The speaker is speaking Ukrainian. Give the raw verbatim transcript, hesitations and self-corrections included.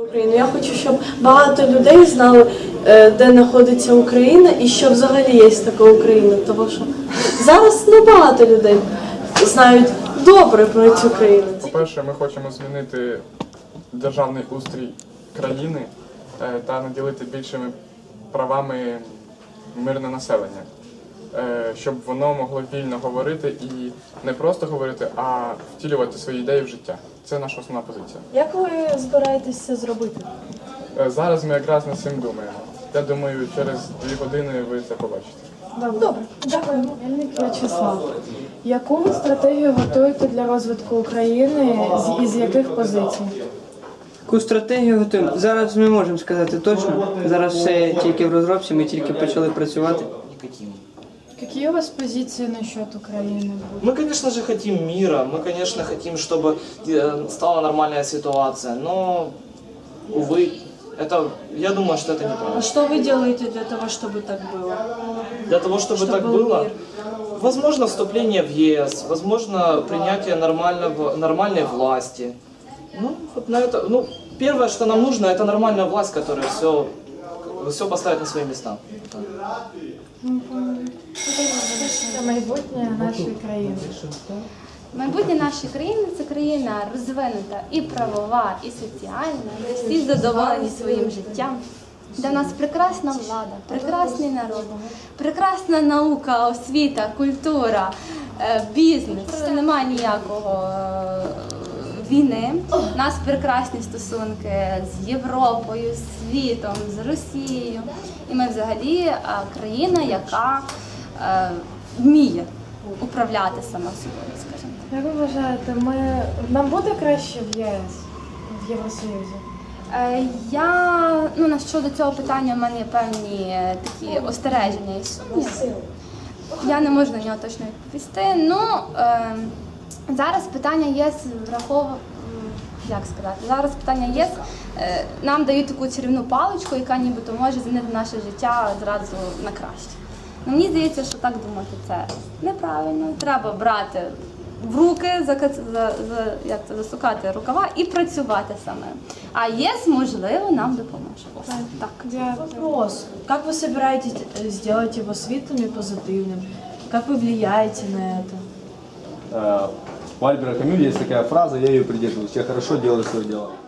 Україну. Я хочу, щоб багато людей знали, де знаходиться Україна і що взагалі є така Україна. Тому що зараз небагато людей знають добре про цю країну. По-перше, ми хочемо змінити державний устрій країни та наділити більшими правами мирне населення, щоб воно могло вільно говорити і не просто говорити, а втілювати свої ідеї в життя. Це наша основна позиція. Як ви збираєтесь це зробити? Зараз ми якраз над цим думаємо. Я думаю, через дві години ви це побачите. Добре, дякую. Мельник В'ячеслав. Яку ви стратегію готуєте для розвитку України з- і з яких позицій? Яку стратегію готуємо? Зараз ми можемо сказати точно. Зараз все тільки в розробці, ми тільки почали працювати. Какие у вас позиции насчет Украины? Мы, конечно же, хотим мира, мы, конечно, хотим, чтобы э, стала нормальная ситуация, но, увы, это, я думаю, что это А неправильно. що ви робите для того, щоб так було? Для того, чтобы, Чтобы так был было, мир. возможно, вступление в ЕС, возможно, принятие нормального, нормальной власти. Ну, вот на это, ну, первое, что нам нужно, это нормальная власть, которая все, все поставит на свои места. Це майбутнє нашої країни. Майбутнє нашої країни – це країна розвинута і правова, і соціальна, де всі задоволені своїм життям, де в нас прекрасна влада, прекрасний народ, прекрасна наука, освіта, культура, е, бізнес. Немає ніякого е, війни. У нас прекрасні стосунки з Європою, з світом, з Росією. І ми взагалі е, країна, яка е, вміє управляти сама собою, скажімо. Як ви вважаєте, ми, нам буде краще в ЄС, в Євросоюзі? Е, Я, ну, на щодо цього питання в мене є певні е, такі остереження і сумніви. Я не можу на нього точно відповісти. Ну, е, зараз питання ЄС враховує, як сказати, зараз питання ЄС е, нам дають таку чарівну паличку, яка нібито може змінити наше життя зразу на краще. Ну, мені здається, що так думати це неправильно. Треба брати в руки, зака- за, за, як це, засукати рукава і працювати саме. А ЄС, можливо, нам допоможе. Ось так. Вопрос. Как вы собираетесь э, сделать его светлым и позитивным? Как вы влияете на это? Э, У Альбера Камю есть такая фраза, я ее придерживаюсь: я хорошо делаю свое дело.